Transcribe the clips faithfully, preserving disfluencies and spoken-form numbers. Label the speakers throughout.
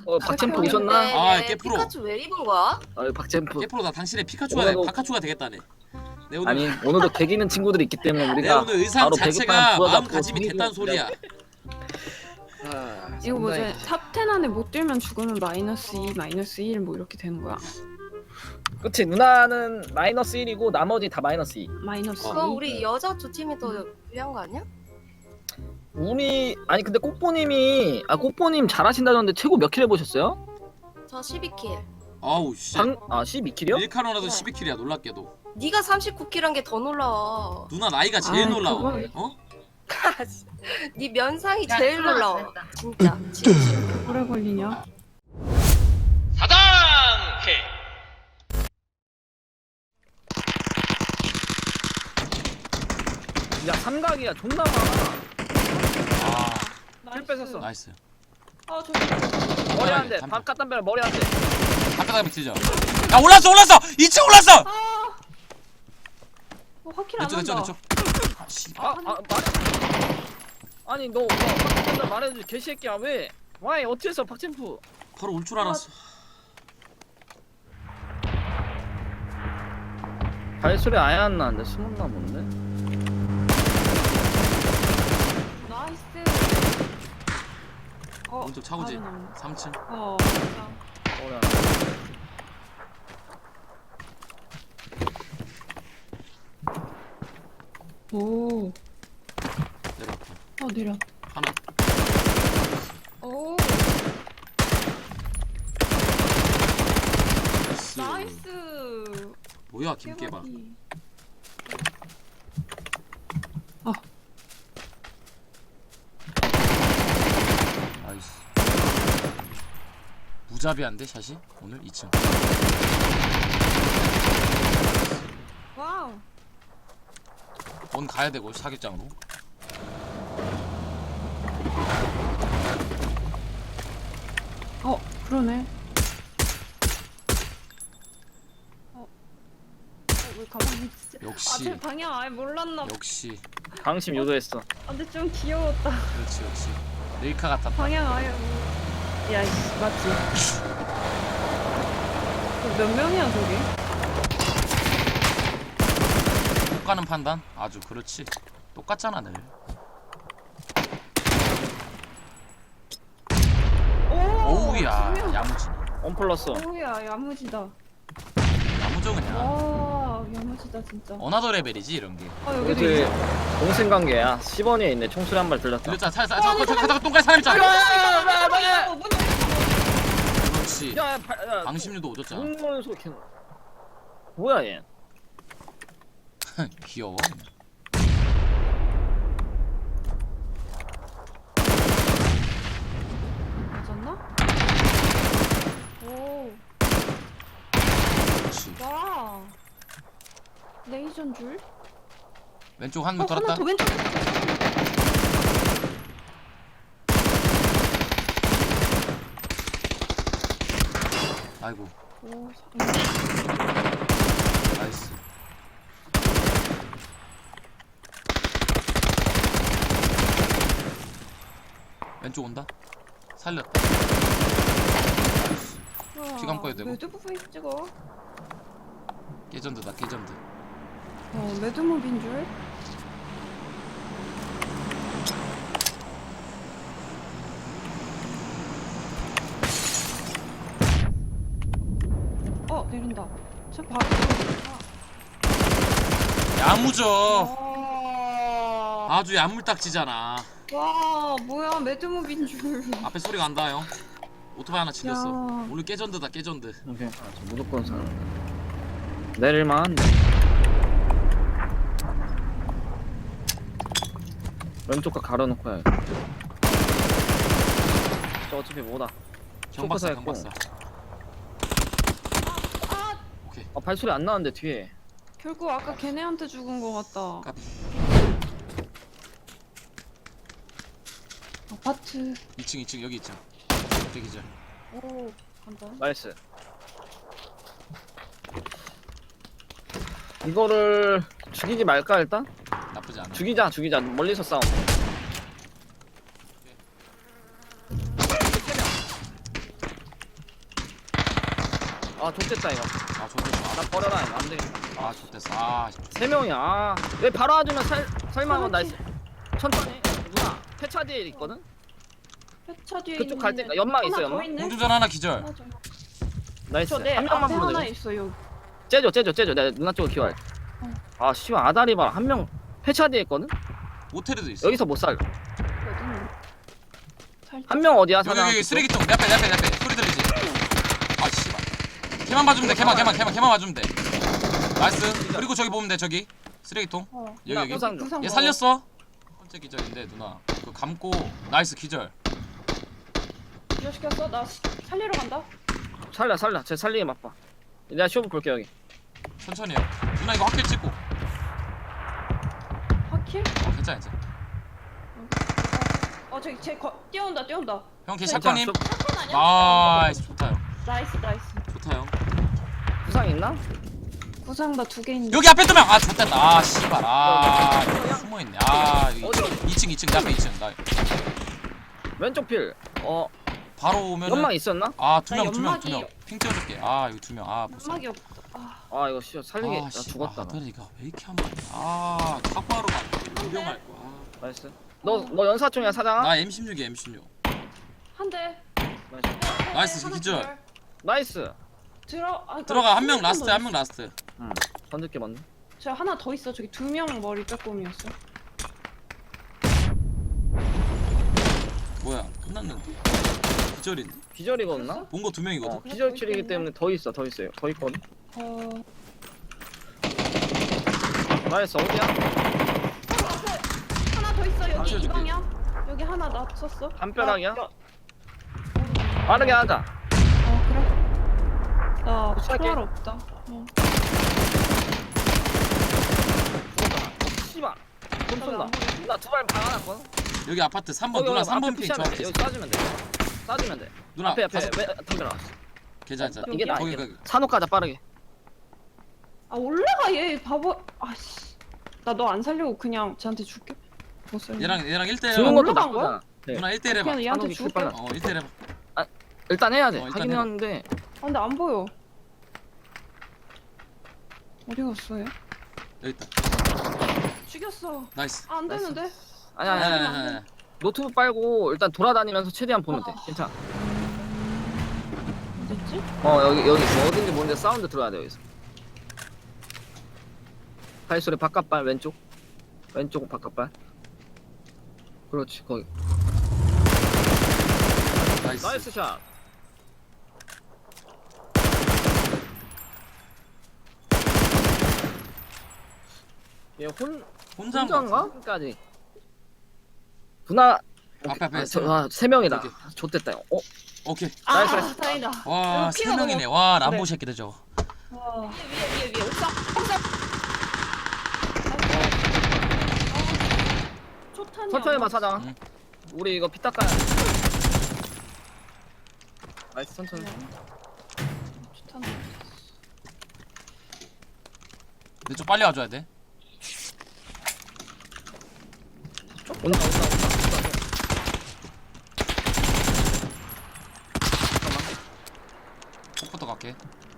Speaker 1: 어 박챔프 오셨나?
Speaker 2: 아, 깨프로.
Speaker 3: 피카츄 왜 입은 거야?
Speaker 1: 어 박챔프.
Speaker 2: 깨프로 나 당신의 피카츄가 돼,
Speaker 1: 오늘도-
Speaker 2: 바카츄가 되겠다네. 내 오늘
Speaker 1: 아니 오늘도 개기는 친구들이 있기 때문에
Speaker 2: 내
Speaker 1: 우리가
Speaker 2: 오늘 의상
Speaker 1: 바로
Speaker 2: 자체가
Speaker 1: 배급판 부어잡고
Speaker 2: 마음가짐이 됐다는 소리야.
Speaker 1: 아,
Speaker 4: 이거 뭐지?
Speaker 1: 상당히-
Speaker 4: 탑텐 안에 못 들면 죽으면 마이너스 이, 마이너스 일 뭐 이렇게 되는 거야?
Speaker 1: 그치 누나는 마이너스 일이고 나머지 다 마이너스 이.
Speaker 4: 마이너스 이?
Speaker 3: 그럼 우리 여자 두 팀이 더 유리한 거 아니야?
Speaker 1: 우리 아니 근데 꼬뽀님이 아 꼬뽀님 잘하신다던데 최고 몇 킬 해보셨어요?
Speaker 3: 저 십이 킬.
Speaker 2: 아우 씨.
Speaker 1: 방, 아 십이 킬이요?
Speaker 2: 일카로나도
Speaker 3: 네.
Speaker 2: 십이 킬이야 놀랍게도.
Speaker 3: 네가 삼십구 킬한 게 더 놀라워.
Speaker 2: 누나 나이가 제일
Speaker 4: 아이,
Speaker 2: 놀라워.
Speaker 4: 그건-
Speaker 2: 어?
Speaker 3: 네 면상이
Speaker 5: 야,
Speaker 3: 제일
Speaker 5: 그만,
Speaker 3: 놀라워.
Speaker 5: 됐다.
Speaker 3: 진짜. 진심.
Speaker 4: 오래 걸리냐?
Speaker 2: 사당해.
Speaker 1: 야 삼각이야 존나 많아.
Speaker 2: 아,
Speaker 1: 킬 뺏었어.
Speaker 2: 나이스.
Speaker 4: 아 저기
Speaker 1: 머리
Speaker 2: 아,
Speaker 1: 한 대.
Speaker 2: 담배.
Speaker 1: 바깥 담배 머리 한 대.
Speaker 2: 바깥 밑이죠. 야 올랐어 올랐어. 이 층 올랐어.
Speaker 4: 어, 확킬 안
Speaker 2: 내쪽 내쪽
Speaker 4: 한다.
Speaker 2: 내쪽. 아 씨.
Speaker 1: 아, 아 말해. 아니 너, 너 바깥 담배 말해주지 개새끼야 왜? 와이 어째서 박챔프?
Speaker 2: 바로 올 줄 알았어.
Speaker 1: 발소리 아예 안 나는데 숨었나 본데?
Speaker 4: 나이스. 어,
Speaker 2: 오른쪽 차고지.
Speaker 4: 바로 나오네.
Speaker 2: 삼 층.
Speaker 4: 어.
Speaker 1: 머리 한 대.
Speaker 4: 오.
Speaker 2: 내려왔다.
Speaker 4: 어 내려.
Speaker 2: 하나.
Speaker 4: 오.
Speaker 2: 나이스.
Speaker 4: 나이스.
Speaker 2: 뭐야 김깨봐.
Speaker 4: 깨박이.
Speaker 2: 나이스. 무자비한데 샷이 오늘 이 층.
Speaker 4: 와우.
Speaker 2: 원 가야 되고 사격장으로.
Speaker 4: 어 그러네. 어. 어, 왜 가만히 있지?
Speaker 2: 역시.
Speaker 4: 아, 제 방향 아예 몰랐나 봐.
Speaker 2: 역시.
Speaker 1: 방심 유도했어.
Speaker 4: 아, 근데 좀 귀여웠다.
Speaker 2: 그렇지 역시. 릴카 같았다.
Speaker 4: 방향 아예 뭐... 야, 이씨, 맞지? 몇 명이야, 저기?
Speaker 2: 못 가는 판단? 아주 그렇지. 똑같잖아 늘.
Speaker 4: 오!
Speaker 2: 오우야
Speaker 4: 두 명.
Speaker 2: 야무지.
Speaker 1: 원 플러스.
Speaker 4: 오우야, 야무지다.
Speaker 2: 야무져 그냥.
Speaker 4: 와, 야무지다, 진짜.
Speaker 2: 어나더 레벨이지 이런 게.
Speaker 4: 아,
Speaker 1: 우리
Speaker 4: 여기도
Speaker 1: 그
Speaker 4: 있어.
Speaker 1: 동생 관계야. 십 원에 있네. 총소리 한 발 들렸다.
Speaker 2: 들렸잖아. 살 살. 잠깐 잠깐 잠깐 똥갈 사람 있잖아.
Speaker 4: 어, 문
Speaker 2: 그렇지.
Speaker 1: 야, 야, 발- 야,
Speaker 2: 방심률도 오졌잖아.
Speaker 1: 문문 소리 켜. 뭐야 얘?
Speaker 2: 귀여워.
Speaker 4: 맞았나? 오,
Speaker 2: 그렇지.
Speaker 4: 와. 레이저인 줄?
Speaker 2: 왼쪽 한
Speaker 4: 어,
Speaker 2: 명 돌았다.
Speaker 4: 하나 더 왼쪽.
Speaker 2: 아이고.
Speaker 4: 오, 사-
Speaker 2: 나이스. 왼쪽 온다. 살렸다. 나이스.
Speaker 4: 우와,
Speaker 2: 피 감고야 되고.
Speaker 4: 매드 부분 찍어.
Speaker 2: 깨전드다 깨전드.
Speaker 4: 어, 매드무비인 줄? 어, 내린다. 저 바로 내린다.
Speaker 2: 야무져.
Speaker 4: 와,
Speaker 2: 아주 야물딱지잖아.
Speaker 4: 와, 뭐야, 매드무비인 줄.
Speaker 2: 앞에 소리가 안다 형. 오토바이 하나 질렸어.
Speaker 4: 야.
Speaker 2: 오늘 깨전드다 깨전드.
Speaker 1: 오케이. 아, 저 무조건 사. 내릴만. 왼쪽 거 가려놓고 해. 저 어차피 뭐다.
Speaker 2: 경박사
Speaker 1: 초코사
Speaker 2: 경박사.
Speaker 4: 아,
Speaker 2: 오케이.
Speaker 1: 아 발소리 안 나는데 뒤에.
Speaker 4: 결국 아까 걔네한테 죽은 것 같다.
Speaker 2: 까비.
Speaker 4: 아파트.
Speaker 2: 이 층 이 층 여기 이 층. 저기죠.
Speaker 4: 오, 간다.
Speaker 1: 나이스. 이거를 죽이지 말까 일단?
Speaker 2: 나쁘지 않아.
Speaker 1: 죽이자 죽이자 멀리서 싸움. 아 좋겠다 이거.
Speaker 2: 아 좋댔어.
Speaker 1: 나 버려라 이거 안 되겠다.
Speaker 2: 아 좋댔어. 아
Speaker 1: 세 명이야. 아, 왜 바로 와주면 살 살만한 나이스. 천천히. 누나 폐차 뒤에 있거든.
Speaker 4: 회차 뒤에
Speaker 1: 그쪽
Speaker 4: 있는
Speaker 1: 갈 때가 연막 있어,
Speaker 4: 하나
Speaker 1: 연막?
Speaker 4: 더 있네?
Speaker 2: 공주전 하나 기절.
Speaker 4: 하나 더.
Speaker 1: 나이스.
Speaker 4: 저내
Speaker 1: 한 명만
Speaker 4: 앞에
Speaker 1: 보면
Speaker 4: 하나
Speaker 1: 돼.
Speaker 4: 있어 여기.
Speaker 1: 째줘 째줘 째줘. 내가 누나 쪽으로 기어할.
Speaker 4: 어.
Speaker 1: 아 씨발 아다리 봐. 한 명 폐차 뒤에 있거든.
Speaker 2: 모텔에도 있어.
Speaker 1: 여기서 못 살.
Speaker 4: 어디는? 살짝.
Speaker 1: 한 명 어디야?
Speaker 2: 여기
Speaker 1: 사장.
Speaker 2: 여기 쓰레기통 내 앞에 내 앞에 내 앞에 소리 들리지? 아 씨발. 걔만 봐주면 돼. 걔만 걔만 걔만 걔만 봐주면 돼. 나이스. 그리고 저기 보면 돼. 저기 쓰레기통.
Speaker 4: 어.
Speaker 2: 여기 여기.
Speaker 1: 부상.
Speaker 4: 부상
Speaker 2: 얘
Speaker 4: 먹어.
Speaker 2: 살렸어. 첫 번째 기절인데 누나. 그 감고 나이스 기절.
Speaker 4: 기절시켰어? 나 시- 살리러 간다.
Speaker 1: 살려 살려. 제 살리기 맛봐. 내가 쇼부 볼게 여기.
Speaker 2: 천천히 해. 누나 이거 확킬 찍고.
Speaker 4: 확킬?
Speaker 2: 어 괜찮아 이제.
Speaker 4: 어 저기 쟤 거, 뛰어온다 뛰어온다.
Speaker 2: 형 걔
Speaker 4: 잠깐,
Speaker 2: 샷건님.
Speaker 4: 사건 아니야?
Speaker 2: 나이스 좋다 형.
Speaker 4: 나이스 나이스.
Speaker 2: 좋다 형.
Speaker 1: 부상 있나?
Speaker 4: 구상 나 두 개 있는데.
Speaker 2: 여기 앞에 두 명. 아 좋다. 아 씨발. 아 숨어 있네. 아 여기
Speaker 1: 어디?
Speaker 2: 이 층 이 층 내 앞에 이 층. 나
Speaker 1: 왼쪽 필. 어
Speaker 2: 바로 오면은.
Speaker 1: 연막 있었나?
Speaker 2: 아 두
Speaker 4: 나
Speaker 2: 명 두 명
Speaker 4: 연막이-
Speaker 2: 두 명. 핑 찍어줄게. 아 여기 두 명. 아 못 살려.
Speaker 4: 연막이 없다. 아,
Speaker 1: 아 이거 씨 살리기
Speaker 2: 아,
Speaker 1: 나
Speaker 2: 씨,
Speaker 1: 죽었다.
Speaker 2: 아,
Speaker 1: 나.
Speaker 2: 아들이가 왜 이렇게 한 번에 아 사과로 가 유명할 거야.
Speaker 1: 나이스. 너너 연사총이야 사장아?
Speaker 2: 나 엠 십육이야 엠 십육.
Speaker 4: 한 대.
Speaker 1: 나이스.
Speaker 2: 나이스,
Speaker 4: 하나
Speaker 2: 기절.
Speaker 1: 나이스.
Speaker 4: 들어. 아,
Speaker 2: 들어가 한 명
Speaker 4: 더
Speaker 2: 라스트 한 명
Speaker 4: 있어.
Speaker 2: 라스트.
Speaker 1: 응. 던질게 맞네.
Speaker 4: 저 하나 더 있어. 저기 두 명 머리 빼꼼이었어.
Speaker 2: 뭐야 끝났는데. 기절인데.
Speaker 1: 기절이거든나?
Speaker 2: 본 거 두 명이거든.
Speaker 1: 어 기절킬이기 때문에 더 있어 더 있어요. 더 있거든.
Speaker 4: 어.
Speaker 1: 나이스 어디야?
Speaker 4: 바로 앞에 하나 더 있어.
Speaker 2: 아,
Speaker 4: 여기 이
Speaker 2: 쳐줄게.
Speaker 4: 방향. 여기 하나 나 썼어.
Speaker 1: 담벼락이야?
Speaker 4: 나-
Speaker 1: 빠르게 하자.
Speaker 4: 어 그래. 나
Speaker 1: 도착해.
Speaker 4: 총알 없다. 어.
Speaker 1: 씨발. 돈
Speaker 4: 나
Speaker 1: 쏜다.
Speaker 4: 안 보이지?
Speaker 1: 나 두 발 박아놨거든.
Speaker 2: 여기 아파트 삼 번
Speaker 1: 여기,
Speaker 2: 누나
Speaker 1: 여기
Speaker 2: 삼 번
Speaker 1: 앞에
Speaker 2: 핑
Speaker 1: 푸시하면 돼.
Speaker 2: 정확히.
Speaker 1: 여기 쏴주면 돼. 쏴주면 돼.
Speaker 2: 누나
Speaker 1: 앞에 앞에
Speaker 2: 다섯-
Speaker 1: 왜 담벼락.
Speaker 2: 괜찮아 괜찮아.
Speaker 1: 이게 나
Speaker 2: 거기
Speaker 1: 이게.
Speaker 2: 거기.
Speaker 1: 산호 가자 빠르게.
Speaker 4: 아 올라가 얘 바보. 아씨. 나 너 안 살려고 그냥 쟤한테 줄게. 못 살려.
Speaker 2: 얘랑 얘랑 일 대 일
Speaker 1: 주는
Speaker 2: 해봐.
Speaker 1: 것도
Speaker 4: 올라간 거야?
Speaker 1: 나쁘잖아. 네.
Speaker 2: 누나 일 대 일 해봐.
Speaker 4: 그냥 얘한테
Speaker 1: 산옥이
Speaker 4: 줄게.
Speaker 1: 빨라.
Speaker 2: 어 일 대 일 해봐.
Speaker 1: 일단 해야 돼.
Speaker 2: 어, 일단
Speaker 1: 하긴
Speaker 2: 해봐.
Speaker 1: 하는데
Speaker 4: 아 근데 안 보여. 어디 갔어 얘?
Speaker 2: 여기 있다.
Speaker 4: 죽였어.
Speaker 2: 나이스.
Speaker 4: 아, 안 되는데?
Speaker 1: 아니
Speaker 2: 아니
Speaker 1: 아니
Speaker 2: 아니
Speaker 1: 아니.
Speaker 2: 아니. 아니.
Speaker 1: 노트북 빨고 일단 돌아다니면서 최대한 보면 돼.
Speaker 4: 어.
Speaker 1: 괜찮아.
Speaker 4: 어딨지?
Speaker 1: 어 여기 여기 뭐 어딘지 모르는데 사운드 들어야 돼 여기서. 발소리 바깥발 왼쪽. 왼쪽 바깥발. 그렇지 거기.
Speaker 2: 나이스.
Speaker 1: 나이스 샷. 얘혼
Speaker 2: 혼자인 거 같아.
Speaker 1: 혼자인가?까지. 분화.
Speaker 2: 앞에 앞에
Speaker 1: 아,
Speaker 2: 세
Speaker 1: 저,
Speaker 2: 명.
Speaker 1: 아, 세 명이다.
Speaker 2: 오케이.
Speaker 1: 좆됐다. 형. 어?
Speaker 2: 오케이.
Speaker 4: 아
Speaker 1: 나이스, 나이스.
Speaker 4: 다행이다.
Speaker 2: 와
Speaker 4: 이거
Speaker 2: 세
Speaker 4: 피가
Speaker 2: 명이네.
Speaker 4: 너무-
Speaker 2: 와 람보
Speaker 4: 그래.
Speaker 2: 새끼들 저거.
Speaker 4: 와.
Speaker 3: 위에 위에 위에 옥상 옥상.
Speaker 4: 초탄이
Speaker 1: 천천히
Speaker 4: 안
Speaker 1: 봐
Speaker 4: 맞았어.
Speaker 1: 사장.
Speaker 2: 응.
Speaker 1: 우리 이거 피 닦아야 돼. 나이스 천천히.
Speaker 4: 초탄.
Speaker 2: 근데 좀 빨리 와줘야 돼.
Speaker 1: 온다 온다 온다. 온다.
Speaker 2: 폭부터 갈게.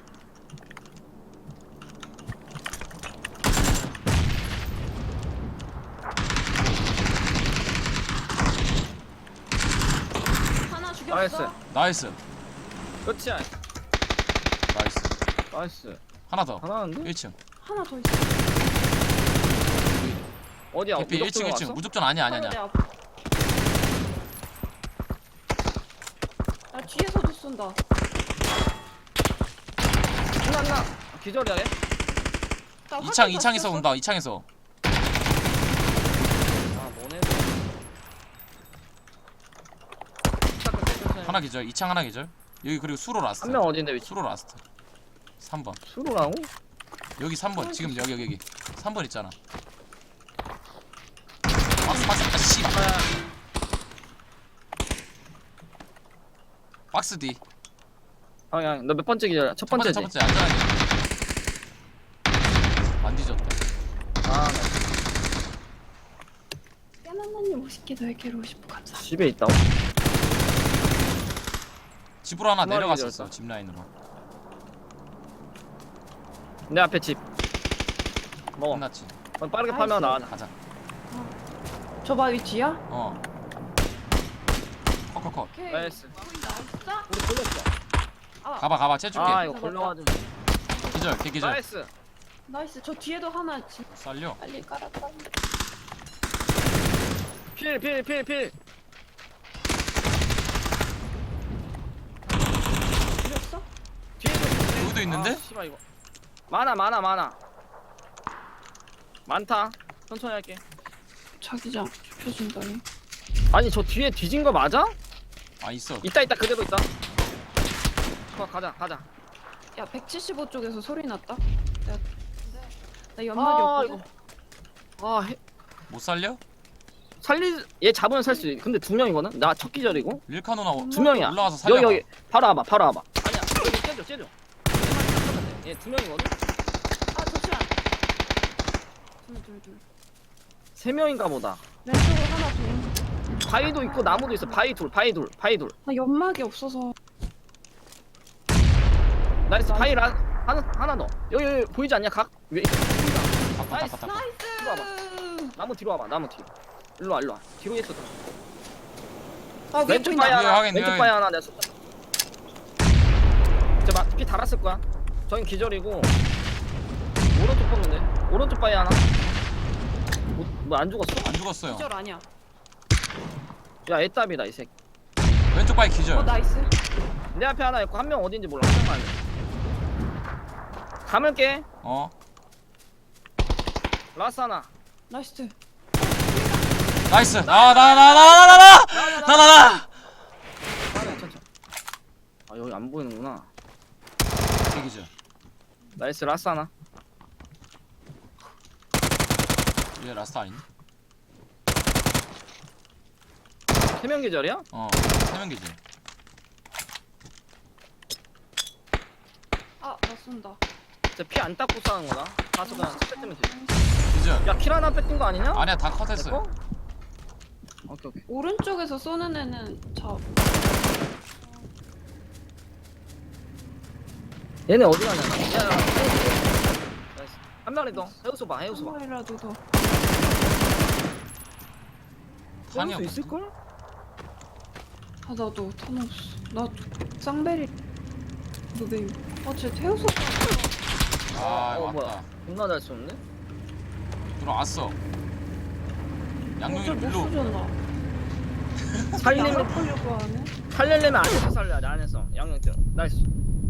Speaker 4: 하나 죽였어.
Speaker 1: 나이스.
Speaker 2: 나이스.
Speaker 1: 끝이야.
Speaker 2: 나이스.
Speaker 1: 나이스.
Speaker 2: 하나 더.
Speaker 1: 하나인데?
Speaker 2: 일 층.
Speaker 4: 하나 더 있어.
Speaker 1: 어디야?
Speaker 2: 개피 일 층 일 층.
Speaker 1: 왔어?
Speaker 2: 무적전 아니야 아니야
Speaker 4: 하나 내
Speaker 2: 아니야.
Speaker 4: 앞. 나 뒤에서도 쏜다.
Speaker 1: 하나 하나. 기절이야 얘?
Speaker 4: 나
Speaker 2: 이 창
Speaker 4: 화살
Speaker 2: 이
Speaker 4: 다
Speaker 2: 창에서
Speaker 4: 쐈어.
Speaker 2: 온다. 이 창에서.
Speaker 1: 아 뭐네.
Speaker 2: 하나 기절. 이 창 하나 기절. 여기 그리고 수로 라스트.
Speaker 1: 한명 어딘데 위치?
Speaker 2: 수로 라스트. 삼 번.
Speaker 1: 수로라고?
Speaker 2: 여기 삼 번. 지금 여기 여기 여기. 삼 번 있잖아. 박스 박스. 아 씨. 박스 D.
Speaker 1: 아야 너 몇 번째 기절? 첫
Speaker 2: 첫 번째
Speaker 1: 번째지?
Speaker 2: 첫 번째 안전하게. 안 뒤졌다.
Speaker 1: 아
Speaker 4: 깨나나님 오십 개 넓게로 오십 분 감사합니다.
Speaker 1: 집에 있다.
Speaker 2: 집으로 하나
Speaker 1: 두 마리
Speaker 2: 내려갔었어.
Speaker 1: 기절했다.
Speaker 2: 집 라인으로.
Speaker 1: 내 앞에 집 먹어.
Speaker 2: 끝났지.
Speaker 1: 어, 빠르게
Speaker 4: 나이스.
Speaker 1: 파면 나가자.
Speaker 2: 가자.
Speaker 4: 저 바위 뒤야?
Speaker 2: 어. 컷컷컷.
Speaker 4: 오케이.
Speaker 1: 나이스.
Speaker 4: 나이스.
Speaker 1: 우리 걸렸어.
Speaker 4: 아,
Speaker 2: 가봐 가봐 채줄게.
Speaker 1: 아 이거
Speaker 4: 잡았다.
Speaker 1: 걸려가지고.
Speaker 2: 기절 개 기절.
Speaker 1: 나이스.
Speaker 4: 나이스. 저 뒤에도 하나 지
Speaker 2: 살려.
Speaker 4: 빨리 깔았다.
Speaker 1: 필 필 필 필.
Speaker 4: 죽였어?
Speaker 1: 뒤에도.
Speaker 2: 여기도 있는데?
Speaker 1: 아, 씨발 이거. 많아 많아 많아. 많다. 천천히 할게.
Speaker 4: 자기장 좁혀준다니.
Speaker 1: 아니 저 뒤에 뒤진 거 맞아?
Speaker 2: 아 있어.
Speaker 1: 있다 있다 그대로 있다. 가 가자 가자.
Speaker 4: 야 백칠십오 쪽에서 소리 났다. 내가 나 연막이
Speaker 1: 아
Speaker 4: 없거든.
Speaker 1: 이거. 아 해,
Speaker 2: 못 살려?
Speaker 1: 살리 얘 잡으면 살 수 있. 근데 두 명이거든. 나 첫 기절이고.
Speaker 2: 릴카노나 오-
Speaker 1: 두 명이야.
Speaker 2: 올라가서 살려.
Speaker 1: 여기 여기 바로 와봐 바로 와봐. 아니야 여기 째줘 째줘. 얘 두 명이거든.
Speaker 4: 아 잠시만. 둘둘둘.
Speaker 1: 세 명인가 보다.
Speaker 4: 왼쪽으로 하나 둘.
Speaker 1: 바위도 있고 나무도 있어. 바위 둘 바위 둘 바위 둘.
Speaker 4: 나 연막이 없어서.
Speaker 1: 나이스 바위 라 하나 하나 더. 여기 여기 보이지 않냐 각 위에 있어.
Speaker 2: 닦아
Speaker 1: 나이스.
Speaker 2: 닦아 닦아.
Speaker 1: 뒤로 와봐. 나무 뒤로 와봐 나무 뒤로. 일로 와 일로 와. 뒤로 있어.
Speaker 4: 아 위에
Speaker 1: 왼쪽
Speaker 4: 보인다.
Speaker 1: 바위
Speaker 2: 위에
Speaker 1: 하나.
Speaker 2: 확인,
Speaker 1: 왼쪽
Speaker 2: 위에
Speaker 1: 바위 하나 내가 쏜다. 저피 달았을 거야. 저긴 기절이고 오른쪽 뽑는데. 오른쪽 바위 하나. 뭐 안 죽었어?
Speaker 2: 안 죽었어요.
Speaker 4: 기절 아니야.
Speaker 1: 야 애답이다 이 새끼.
Speaker 2: 왼쪽 바위 기절.
Speaker 4: 어 나이스.
Speaker 1: 내 앞에 하나 있고 한 명 어딘지 몰라. 한 명만 알려. 감을게.
Speaker 2: 어.
Speaker 1: 라스 하나.
Speaker 4: 나이스.
Speaker 2: 나이스. 나와 나와 나와 나와 나와 나와 나와 나와.
Speaker 1: 하나 천천. 아 여기 안 보이는구나.
Speaker 2: 개 기절.
Speaker 1: 나이스 라스 하나.
Speaker 2: 얘 라스트 아닌데?
Speaker 1: 세 명 계절이야?
Speaker 2: 어. 세 명 기절.
Speaker 4: 아나 쏜다.
Speaker 1: 진짜 피 안 닦고 싸는 거다. 가서 그냥 스펙 뜨면 돼.
Speaker 2: 기절.
Speaker 1: 야 킬 하나 뺏긴 거 아니냐?
Speaker 2: 아니야 다
Speaker 1: 내
Speaker 2: 컷했어요.
Speaker 1: 거? 오케이 오케이.
Speaker 4: 오른쪽에서 쏘는 애는 저
Speaker 1: 얘네 어디 가냐? 야, 야, 나이스. 한 마리 더. 해우소 봐, 해우소 봐.
Speaker 4: 한 마리라도 더.
Speaker 2: 탄이
Speaker 1: 해우소
Speaker 2: 없어.
Speaker 1: 있을 걸?
Speaker 4: 아 나도 타노스. 나 쌍베리. 노베이. 아쟤 태우소.
Speaker 2: 아
Speaker 1: 어,
Speaker 2: 왔다.
Speaker 1: 뭐야? 존나 잘 쏘는데?
Speaker 2: 들어왔어. 양용이를
Speaker 4: 못
Speaker 2: 밀로.
Speaker 4: 쏘잖아.
Speaker 1: 살리면
Speaker 4: 살려고 하네.
Speaker 1: 살려려면 안에서 살려야지 안에서. 양양 때. 나이스.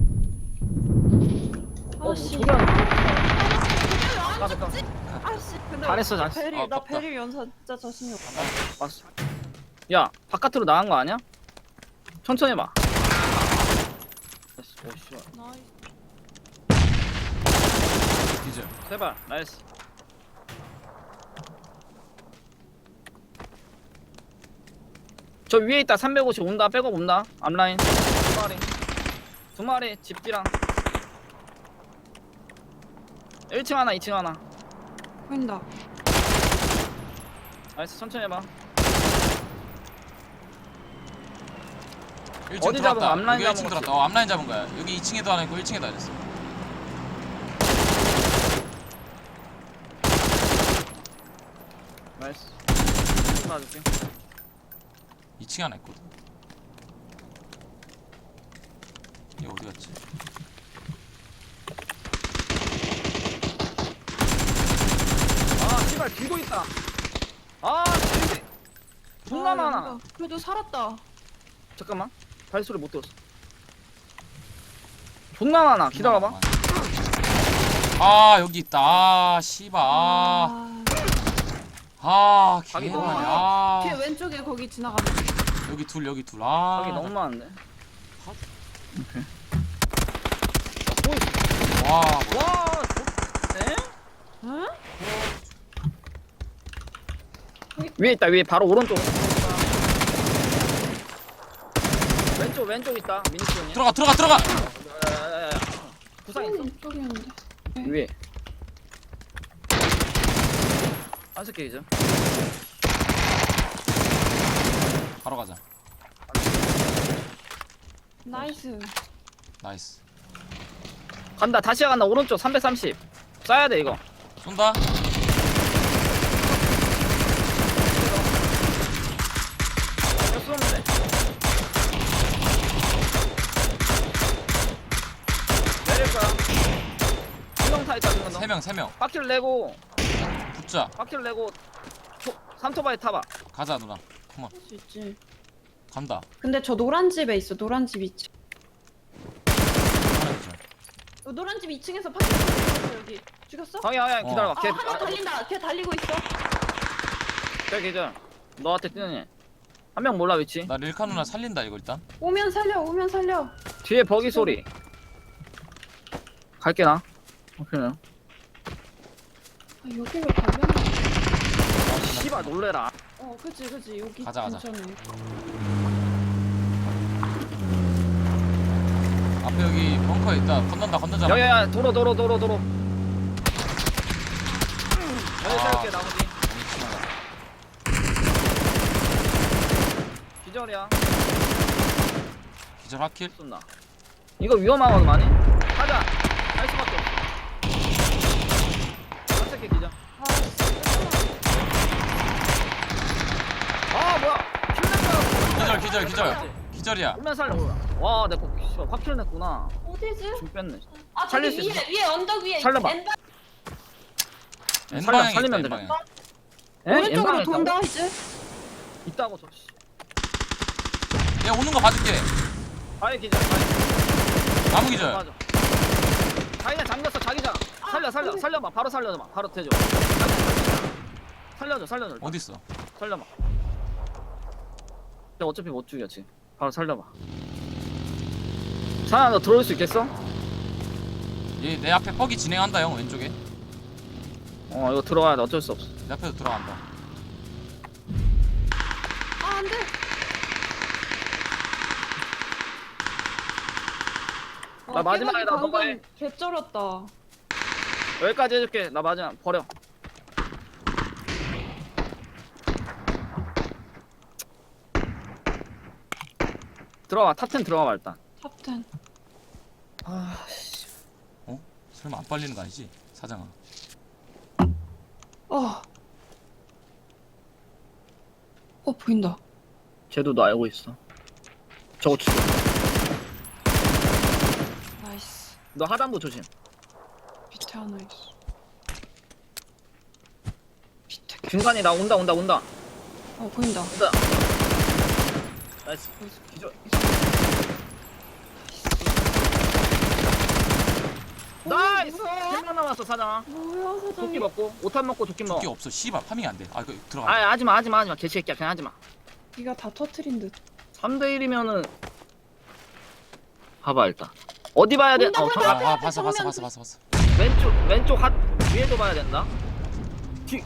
Speaker 1: 어, 뭐
Speaker 4: 아씨.
Speaker 1: 소리 안 나. 아, 됐다.
Speaker 4: 아씨. 근데
Speaker 1: 잘했어, 잘했어.
Speaker 4: 베릴
Speaker 2: 아,
Speaker 4: 나
Speaker 2: 아깝다.
Speaker 4: 베릴 연사 진짜 자신이 없어.
Speaker 1: 왔어. 야, 바깥으로 나간 거 아니야? 천천히 해봐. 나이스. 오, 씨발.
Speaker 4: 나이스.
Speaker 2: 기절.
Speaker 1: 제발. 나이스. 저 위에 있다. 삼백오십 온다. 백업 온다. 앞라인. 두 마리. 두 마리. 집지랑. 일 층 하나, 이 층 하나.
Speaker 4: 보인다.
Speaker 1: 나이스. 천천히 해봐.
Speaker 2: 일 층
Speaker 1: 어디 잡은
Speaker 2: 들어왔다.
Speaker 1: 거? 앞라인
Speaker 2: 여기 일 층
Speaker 1: 잡은
Speaker 2: 들어왔다. 어 앞라인 잡은 거야. 여기 이 층에도 하나 있고 일 층에도 하나 있어.
Speaker 1: 나이스. 좀 봐줄게.
Speaker 2: 이 층에 하나 있거든. 얘 어디 갔지?
Speaker 1: 아, 씨발 뒤도 있다. 아, 진짜. 존나
Speaker 4: 아,
Speaker 1: 많아.
Speaker 4: 연사. 그래도 살았다.
Speaker 1: 잠깐만. 발소리 못 들었어. 존나 많아. 기다려봐.
Speaker 2: 아 여기 있다. 아 씨발. 아, 아
Speaker 1: 자기
Speaker 2: 개많이.
Speaker 1: 너무
Speaker 2: 아
Speaker 4: 뒤에 왼쪽에 거기 지나가면.
Speaker 2: 여기 둘 여기 둘. 아
Speaker 1: 여기 너무 많은데.
Speaker 2: 컷.
Speaker 1: 오케이. 어,
Speaker 2: 와
Speaker 1: 와, 에?
Speaker 4: 응?
Speaker 1: 위에 있다. 위에 바로 오른쪽. 왼쪽 왼쪽 있다. 미니스톤이.
Speaker 2: 들어가 들어가 들어가.
Speaker 1: 야야야야. 부상 있어?
Speaker 4: 이쪽이었는데.
Speaker 1: 위에. 한스 케이죠.
Speaker 2: 바로 가자.
Speaker 4: 나이스.
Speaker 2: 나이스.
Speaker 1: 간다 다시 간다 오른쪽 삼백삼십 쏴야 돼 이거.
Speaker 2: 쏜다.
Speaker 1: 이거 쏘면 돼. 내릴 거야. 두명 타 있다 두명 더.
Speaker 2: 세 명, 세 명.
Speaker 1: 바퀴를 내고
Speaker 2: 붙자.
Speaker 1: 바퀴를 내고 초, 삼토바이 타봐.
Speaker 2: 가자 누나. 컴온.
Speaker 4: 할 수 있지.
Speaker 2: 간다.
Speaker 4: 근데 저 노란 집에 있어. 노란 집 이 층.
Speaker 2: 하나 있죠.
Speaker 4: 어, 노란 집 이 층에서 파티 죽였어 여기. 죽였어?
Speaker 1: 방이 방이
Speaker 2: 어.
Speaker 1: 기다려봐.
Speaker 4: 아
Speaker 1: 걔
Speaker 4: 하나 달린다. 걔 달리고 있어.
Speaker 1: 걔 기절. 너한테 뛰는 애. 한 명 몰라 위치.
Speaker 2: 나 릴카 누나 살린다 이거 일단.
Speaker 4: 오면 살려. 오면 살려.
Speaker 1: 뒤에 버기 소리. 갈게 나. 오케이. 아
Speaker 4: 아, 여기 왜 가면?
Speaker 1: 씨발 놀래라.
Speaker 4: 어 그치 그치 여기
Speaker 2: 가자, 가자.
Speaker 4: 괜찮네.
Speaker 2: 앞에 여기 벙커에 있다. 건넌다 건너자.
Speaker 1: 야야야 도로 도로 도로 도로. 여기
Speaker 2: 아.
Speaker 1: 세울게 나머지.
Speaker 2: 너무 심하다.
Speaker 1: 기절이야.
Speaker 2: 기절 하킬.
Speaker 1: 쏜다. 이거 위험하거든 많이. 가자. 할 수밖에 없어. 한 새끼 기절.
Speaker 4: 아 진짜.
Speaker 1: 아 뭐야? 킬냈어.
Speaker 2: 기절 기절 기절. 기절이야.
Speaker 1: 오면 살려. 와 내거 씨발 확 킬냈구나.
Speaker 4: 어디지?
Speaker 1: 중 뺐네.
Speaker 4: 아
Speaker 1: 살릴
Speaker 4: 저기
Speaker 1: 수
Speaker 4: 위에 위에 언덕 위에.
Speaker 1: 살려봐.
Speaker 4: 엔바-
Speaker 2: N
Speaker 1: 살려,
Speaker 2: 방향에
Speaker 1: 살리면
Speaker 2: 있다.
Speaker 1: 되네.
Speaker 2: N 방향.
Speaker 1: 에?
Speaker 4: 오른쪽으로
Speaker 1: 엠방에
Speaker 4: 돈다
Speaker 1: 있다고?
Speaker 4: 이제.
Speaker 1: 있다고 저. 씨.
Speaker 2: 야 오는 거 봐줄게.
Speaker 1: 바위 기절. 바위.
Speaker 2: 나무 기절.
Speaker 1: 맞아. 자기가 잠겼어 자기장. 살려 살려
Speaker 4: 근데-
Speaker 1: 살려봐 바로 살려줘 바로 대줘. 살려줘 살려줘. 일단.
Speaker 2: 어디 있어?
Speaker 1: 살려봐. 근데 어차피 못 죽여 지금. 바로 살려봐. 사나 너 들어올 수 있겠어?
Speaker 2: 얘 내 앞에 뻑이 진행한다 형 왼쪽에.
Speaker 1: 어 이거 들어가야 돼 어쩔 수 없어.
Speaker 2: 내 앞에도 들어간다.
Speaker 4: 아 안돼.
Speaker 1: 나 마지막에 나 너가 해.
Speaker 4: 개쩔었다.
Speaker 1: 여기까지 해줄게. 나 마지막 버려. 들어가 탑텐 들어가봐 일단.
Speaker 4: 탑텐.
Speaker 1: 아 씨.
Speaker 2: 설마 안 빨리는 거 아니지? 사장아.
Speaker 4: 어. 어 보인다.
Speaker 1: 쟤도 너 알고 있어. 저거 죽여.
Speaker 4: 나이스.
Speaker 1: 너 하단부 조심.
Speaker 4: 밑에 하나 있어. 밑에. 개-
Speaker 1: 중간에 나 온다 온다 온다
Speaker 4: 어 보인다.
Speaker 1: 온다. 나이스. 기절. 나이스. 한 명 남았어 사장아.
Speaker 4: 뭐야
Speaker 1: 도끼
Speaker 4: 사장님.
Speaker 1: 먹고 오탄 먹고 도끼 먹어.
Speaker 2: 도끼 없어. 씨발 파밍이 안 돼. 아 이거 들어가.
Speaker 1: 아 하지마 하지마 하지마 개새끼야 그냥 하지마.
Speaker 4: 네가 다 터트린 듯.
Speaker 1: 삼 대 일이면은 봐봐 일단 어디 봐야 돼?
Speaker 4: 온다,
Speaker 1: 어,
Speaker 4: 온다.
Speaker 1: 저,
Speaker 2: 아,
Speaker 4: 앞에,
Speaker 2: 아
Speaker 4: 앞에
Speaker 2: 봤어 봤어
Speaker 4: 정면
Speaker 2: 봤어 봤어 봤어.
Speaker 1: 왼쪽 왼쪽 핫 위에도 봐야 된다. 뒤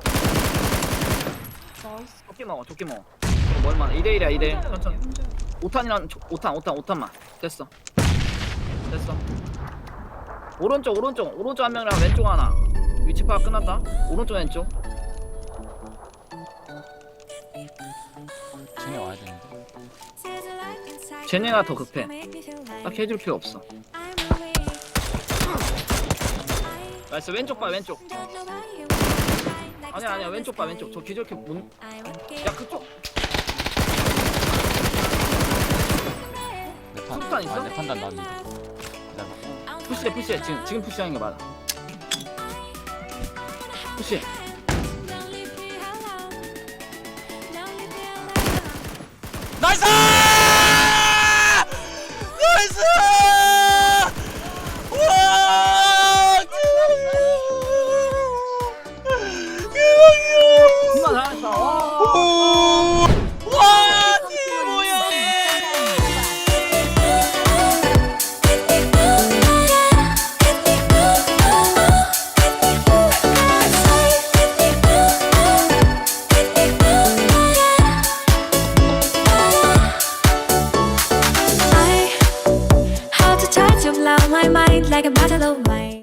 Speaker 4: 나이스.
Speaker 1: 도끼 먹어 도끼 먹어. 이거 얼마나 이 대 일이야 이 대 일.
Speaker 4: 혼자야,
Speaker 1: 천천히.
Speaker 4: 혼자야.
Speaker 1: 오탄이랑 오탄오탄오탄만 됐어 됐어. 오른쪽 오른쪽 오른쪽 한 명이랑 왼쪽 하나. 위치 파악 끝났다. 오른쪽 왼쪽.
Speaker 2: 쟤네 와야 되는데.
Speaker 1: 쟤네가 더 급해. 딱 해줄 필요 없어. 나이스 왼쪽 봐 왼쪽. 아니야 아니야 왼쪽 봐 왼쪽. 저 기절캐 문. 야 그쪽.
Speaker 2: 내 판.
Speaker 1: 술탄 있어?
Speaker 2: 아, 내 판단 나왔는데. 기다려봐.
Speaker 1: 푸시해 푸시해 지금 지금 푸시하는 게 맞아. 푸시.
Speaker 2: 나이스!